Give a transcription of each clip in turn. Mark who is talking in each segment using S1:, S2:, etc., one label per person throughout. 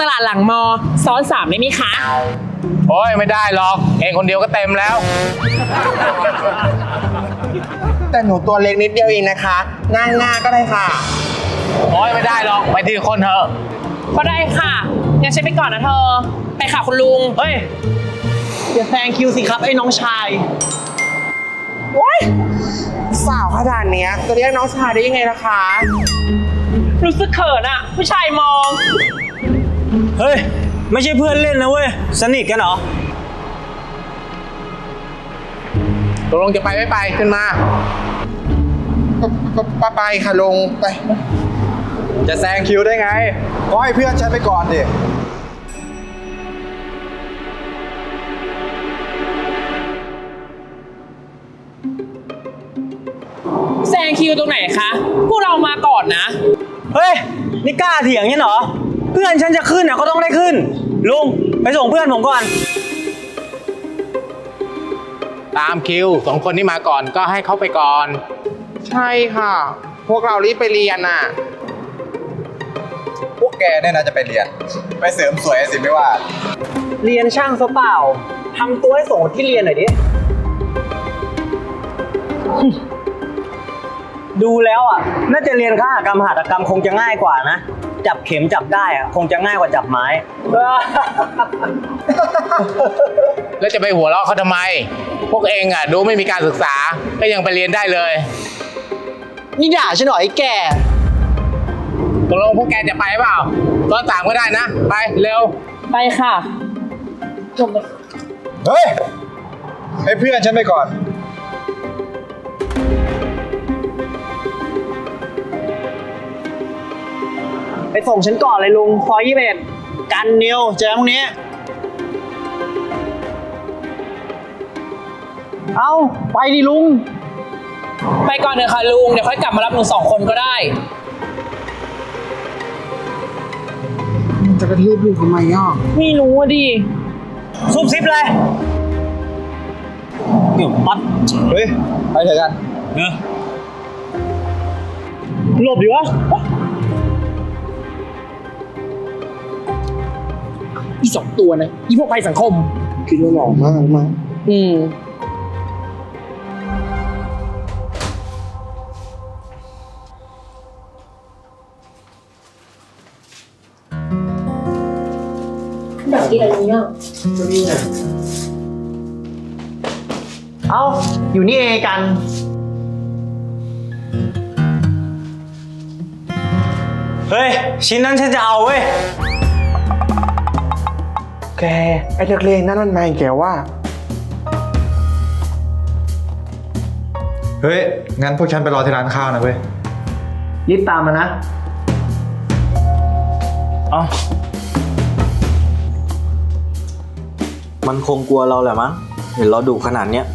S1: ตลาดหลังมอซ้อน3ได้ไหมคะ
S2: โอ้ยไม่ได้หรอกเองคนเดียวก็เต็มแล้ว
S3: แต่หนูตัวเล็กนิดเดียวเองนะคะนั่งหน้าก็ได้ค่ะ
S2: โอ้ยไม่ได้หรอกไปทีละคนเถอะ
S1: ก็ได้ค่ะงั้นฉันไปก่อนนะเธอ ไปค่ะคุณลุง
S4: เฮ้ยอย่าแซงคิวสิครับไอ้น้องชาย
S3: สาวขนาดเนี้ยจะเรียกน้องชายได้ยังไงล่ะคะ
S1: รู้สึกเขินอะผู้ชายมอง
S4: เฮ้ยไม่ใช่เพื่อนเล่นนะเว้ยสนิทกันเหรอ
S2: ตกลงจะไปไม่ไปขึ้นมา
S3: ไปค่ะลุงไป
S5: จะแซงคิวได้ไงก็ให้เพื่อนฉันไปก่อนดิ
S1: แซงคิวตรงไหนคะ พวกเรามาก่อนนะ
S4: เฮ้ยนี่กล้าเถียงเนี่ยเหรอเพื่อนฉันจะขึ้นอ่ะก็ต้องได้ขึ้นลุงไปส่งเพื่อนผมก่อน
S2: ตามคิว2 คนที่มาก่อนก็ให้เขาไปก่อน
S3: ใช่ค่ะ พวกเรารีบไปเรียนน่ะ
S5: พวกแกเนี่ยนะจะไปเรียน ไปเสริมสวยสิไม่ว่า
S4: เรียนช่างซะเปล่าทำตัวให้ส่งที่เรียนหน่อยดิ ดูแล้วอ่ะน่าจะเรียนคหกรรมหัตถกรรมคงจะง่ายกว่านะจับเข็มจับได้อ่ะคงจะง่ายกว่าจับไม้
S2: แล้วจะไปหัวเราะเขาทำไม พวกเองอ่ะดูไม่มีการศึกษาก็ยังไปเรียนได้เลย
S4: นี่ด่าฉันหน่อยไอ้แก
S2: ตกลงพวกแกจะไปเปล่าซ้อน3ก็ได้นะ ไปเร็ว
S1: ไปค่ะจบ
S5: เฮ้ย ให้เพื่อนฉันไปก่อน
S4: ไปส่งฉันก่อนเลยลุงซอย21กันนิวเจอตรงนี้ เอาไปดิลุง
S1: ไปก่อนเถอะค่ะลุง เดี๋ยวค่อยกลับมารับหนู2 คนก็ได้
S3: มันจะกระทืบลุงทำไมอ่ะ
S1: ไม่รู้อะดิ
S4: ซุบซิบเลยเดี๋ยวปัด
S5: เฮ้ย ไปเถอะกัน
S4: เออหลบดิวะ
S1: อี2 ตัวนะ อีพวกภัยสังคม
S3: คิดว่าหล่อมากมั้ง
S1: อืม
S6: อยากกินอะไรเนี่ย
S4: เอ้า อยู่นี่เองกัน เฮ้ย ชิ้นนั้นฉันจะเอาเว้ย
S3: แกไอ้นักเลงนั่นมันมาอีกแกว่า
S5: เฮ้ย งั้นพวกฉันไปรอที่ร้านข้าวนะเว้ย
S4: รีบตามมานะ เอ้า มันคงกลัวเราแหละมั้ง เห็นเราดุขนาดเนี้ย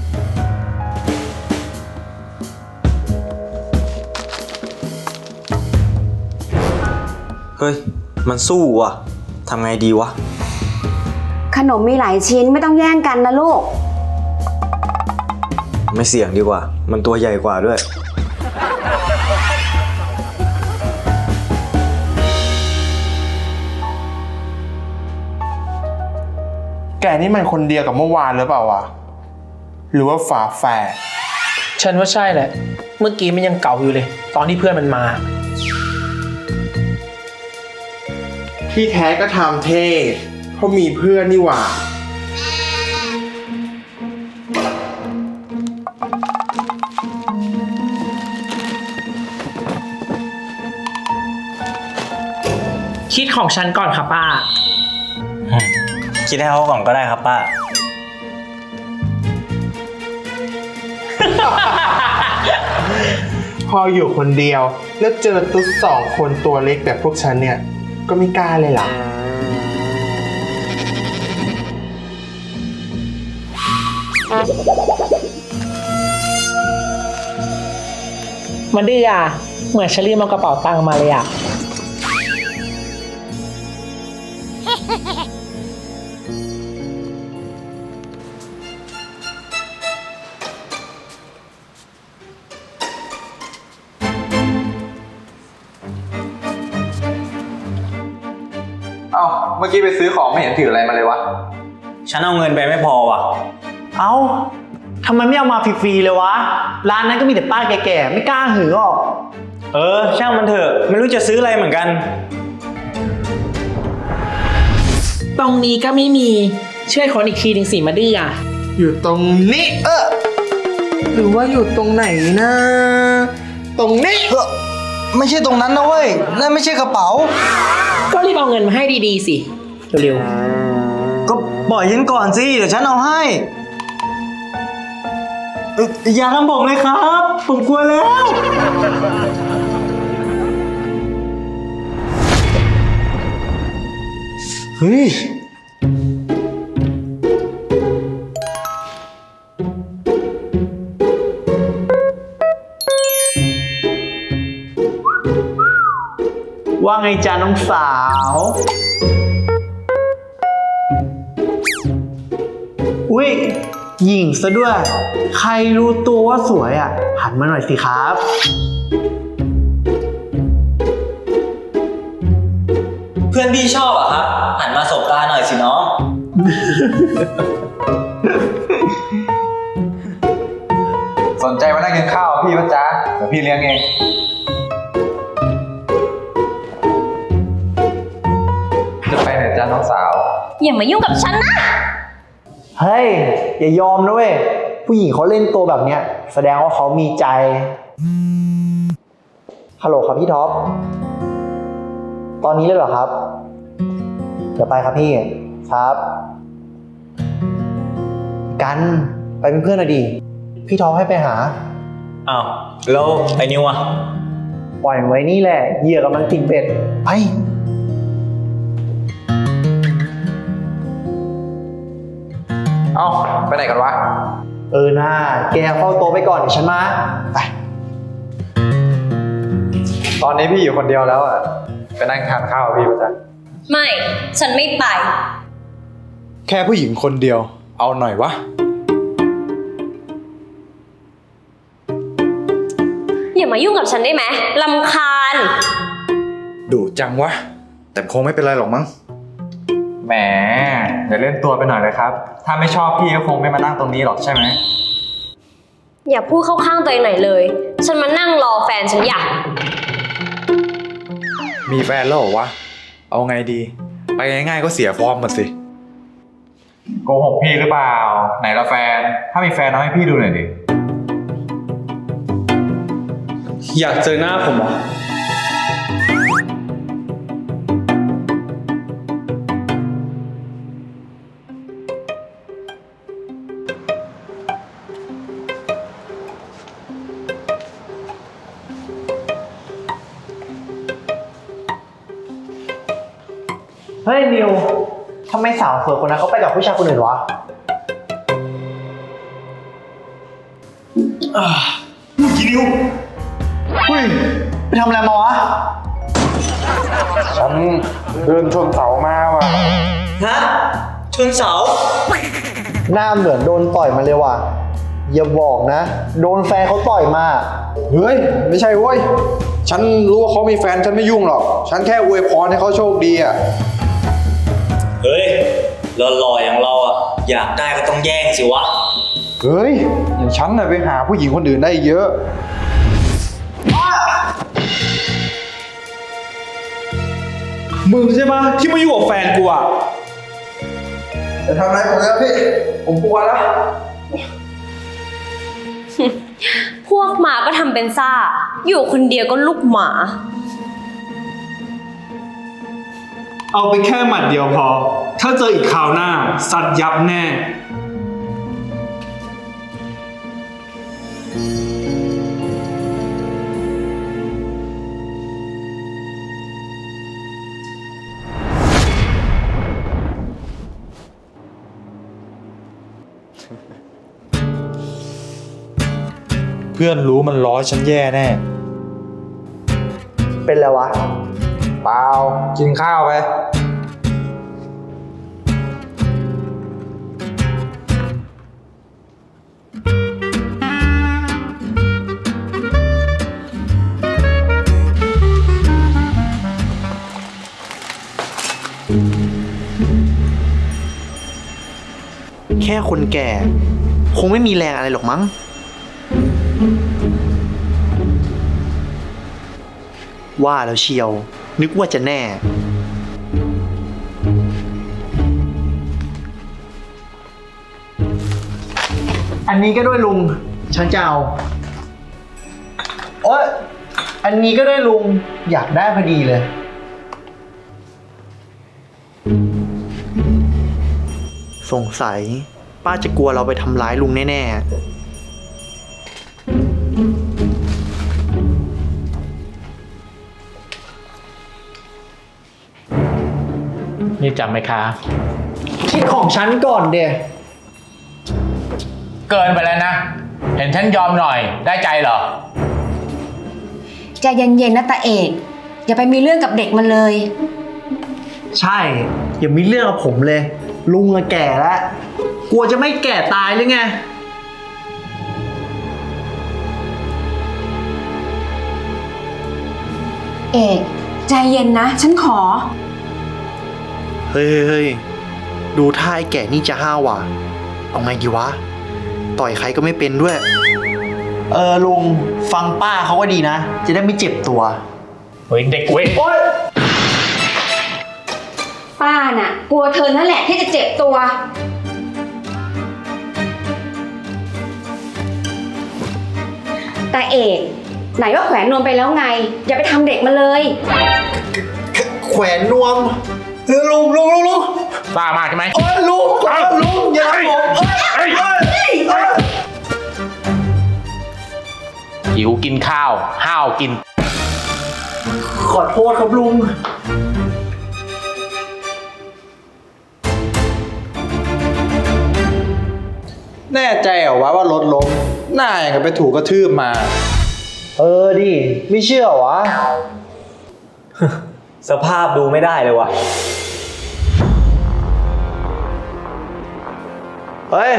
S4: เฮ้ย มันสู้ว่ะ ทำไงดีวะ
S6: ขนมมีหลายชิ้นไม่ต้องแย่งกันนะลูก
S4: ไม่เสี่ยงดีกว่า มันตัวใหญ่กว่าด้วย
S3: แกนี่มันคนเดียวกับเมื่อวานหรือเปล่าวะ หรือว่าฝาแฝด
S1: ฉันว่าใช่แหละ เมื่อกี้มันยังเก่าอยู่เลย ตอนที่เพื่อนมันมา
S3: ที่แท้ก็ทำเท่เพราะมีเพื่อนนี่หว่า
S1: คิดของฉันก่อนค่ะป้า
S4: คิดให้เขาก่อนก็ได้ครับป้า
S3: พออยู่คนเดียวแล้วเจอตุ๊ด2 คนตัวเล็กแบบพวกฉันเนี่ย ก็ไม่กล้าเลยล่ะ
S1: มันดื้ออ่ะ เหมือนฉันรีบเอากระเป๋าตังค์มาเลยอ่ะ
S3: เอ้า
S5: เมื่อกี้ไปซื้อของไม่เห็นถืออะไรมาเลยวะ
S4: ฉันเอาเงินไปไม่พอว่ะ
S7: เอ้าทำไมไม่เอามาฟรีๆเลยวะ ร้านนั้นก็มีแต่ป้าแก่ๆ ไม่กล้าหือหรอก
S4: ช่างมันเถอะ ไม่รู้จะซื้ออะไรเหมือนกัน
S1: ตรงนี้ก็ไม่มีช่วยคนอีกทีหนึ่งสิมาดื้ออ่ะ
S3: อยู่ตรงนี้ หรือว่าอยู่ตรงไหนนะ ตรงนี้
S7: ไม่ใช่ตรงนั้นนะเว้ย นั่นไม่ใช่กระเป๋า
S1: ก็รีบเอาเงินมาให้ดีๆสิเร็ว
S7: ก็ปล่อยฉันก่อนสิ เดี๋ยวฉันเอาให้อย่าทำผมเลยครับ ผมกลัวแล้ว เฮ้ย ว่าไงจ๊ะน้องสาว อุ้ยหญิงซะด้วย ใครรู้ตัวว่าสวยอ่ะ หันมาหน่อยสิครับ
S4: เพื่อนพี่ชอบอะครับ หันมาสบตาหน่อยสิน้อง
S5: สนใจมานั่งกินข้าวพี่ปะจ๊ะเดี๋ยวพี่เลี้ยงเอง จะไปไหนจ๊ะน้องสาว
S8: อย่ามายุ่งกับฉันนะ
S7: เฮ้ย อย่ายอมนะเว้ย ผู้หญิงเขาเล่นตัวแบบเนี้ย แสดงว่าเขามีใจ ฮัลโหลครับพี่ท็อป ตอนนี้เลยเหรอครับ เดี๋ยวไปครับพี่ ครับ กันไปเป็นเพื่อนหน่อยดิ พี่ท็อปให้ไปหา
S4: อ้าว แล้วไอ้นิวอะ
S7: ปล่อยมันไว้นี่แหละ เหยื่อกำลังติดเบ็ด ไป
S5: เอ้า ไปไหนกันวะ
S7: น่าแกเฝ้าโต๊ะไปก่อนเดี๋ยวฉันมา ไป
S5: ตอนนี้พี่อยู่คนเดียวแล้วอ่ะ ไปนั่งทานข้าวกับพี่ปะจ๊ะ
S8: ไม่ ฉันไม่ไป
S5: แค่ผู้หญิงคนเดียว เอาหน่อยวะ
S8: อย่ามายุ่งกับฉันได้ไหมรำคาญ
S5: ดุจังวะ แต่คงไม่เป็นไรหรอกมั้ง แหมอย่าเล่นตัวไปหน่อยเลยครับ ถ้าไม่ชอบพี่ก็คงไม่มานั่งตรงนี้หรอกใช่ไหม
S8: อย่าพูดเข้าข้างตัวเองหน่อยเลย ฉันมานั่งรอแฟนฉันอยาก
S5: มีแฟนแล้วเหรอวะ เอาไงดี ไปง่ายๆก็เสียฟอร์มหมดสิ โกหกพี่หรือเปล่า ไหนละแฟน ถ้ามีแฟนเอาให้พี่ดูหน่อยดิ
S4: อยากเจอหน้าผมเหรอ
S7: เฮ้ยนิว ทำไมสาวสวยคนนั้นเขาไปกับผู้ชายคนอื่นวะกี่นิวเฮ้ย ไปทำอะไรมาวะ
S3: ฉันเดินชนเสามาว่ะ
S4: ฮะ ชนเสา
S7: หน้าเหมือนโดนต่อยมาเลยว่ะ อย่าบอกนะ โดนแฟนเขาต่อยมา
S3: เฮ้ย ไม่ใช่เว้ย ฉันรู้ว่าเขามีแฟนฉันไม่ยุ่งหรอก ฉันแค่อวยพรให้เขาโชคดีอ่ะ
S4: เฮ้ยหล่อๆอย่างเราอะอยากได้ก็ต้องแย่งสิวะ
S3: เฮ้ย อย่างฉันน่ะไปหาผู้หญิงคนอื่นได้เยอะ
S4: มึงใช่ปะที่มาอยู่กับแฟนกูอะ
S3: จะทำอะไรผมแล้วพี่ ผมกลัวแล้ว
S8: พวกหมาก็ทำเป็นซ่า อยู่คนเดียวก็ลูกหมา
S9: เอาไปแค่หมัดเดียวพอ ถ้าเจออีกคราวหน้า สัตว์ยับแน่
S5: เพื่อนรู้มันล้อฉันแย่แน่
S7: เป็นแล้ววะ
S5: เปล่า กินข้าวไป
S7: แค่คนแก่ คงไม่มีแรงอะไรหรอกมั้ง ว่าแล้วเชียว นึกว่าจะแน่ อันนี้ก็ด้วยลุง ฉันจะเอาโอ๊ยอันนี้ก็ด้วยลุง อยากได้พอดีเลย สงสัย ป้าจะกลัวเราไปทำร้ายลุงแน่ๆ
S2: นี่จำไหมคะ
S7: คิดของฉันก่อนเดะ
S2: เกินไปแล้วนะ เห็นฉันยอมหน่อยได้ใจเหรอ
S6: ใจเย็นๆนะตาเอก อย่าไปมีเรื่องกับเด็กมันเลย
S7: ใช่ อย่ามีเรื่องกับผมเลย ลุงอะแก่แล้ว กลัวจะไม่แก่ตายหรือไง
S6: เอกใจเย็นนะ ฉันขอ
S7: เฮ้ย ดูท่าไอ้แก่นี่จะห้าวว่ะ เอาไงดีวะ ต่อยใครก็ไม่เป็นด้วย ลุง ฟังป้าเขาก็ดีนะ จะได้ไม่เจ็บตัว
S2: เฮ้ยเด็กเว้ย
S6: ป้าน่ะ กลัวเธอนั่นแหละที่จะเจ็บตัว ตาเอกไหนว่าแขวนนวมไปแล้วไง อย่าไปทำเด็กมันเลย
S7: แขวนนวมลุง
S2: บ้ามากใช่ไหม
S7: ลุงอย่าทำผม
S2: หิวกินข้าว ห้าวกิน
S7: ขอโทษครับลุง
S3: แน่ใจเหรอวะว่ารถล้มหน้าอย่างกับไปถูกกระทืบมา
S7: ดิ ไม่เชื่อวะ
S4: สภาพดูไม่ได้เลยว่ะ
S7: เฮ้ย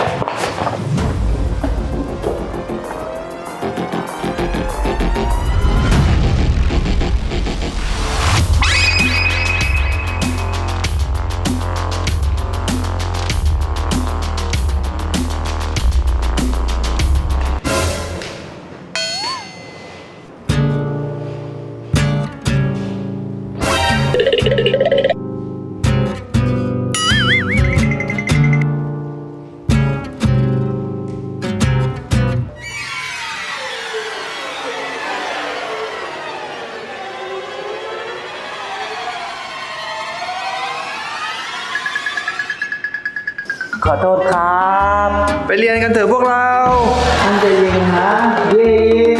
S4: ขอโทษครับ
S3: ไปเรียนกันเถอะพวกเรา
S7: ตั้งใจเรียนนะ เย้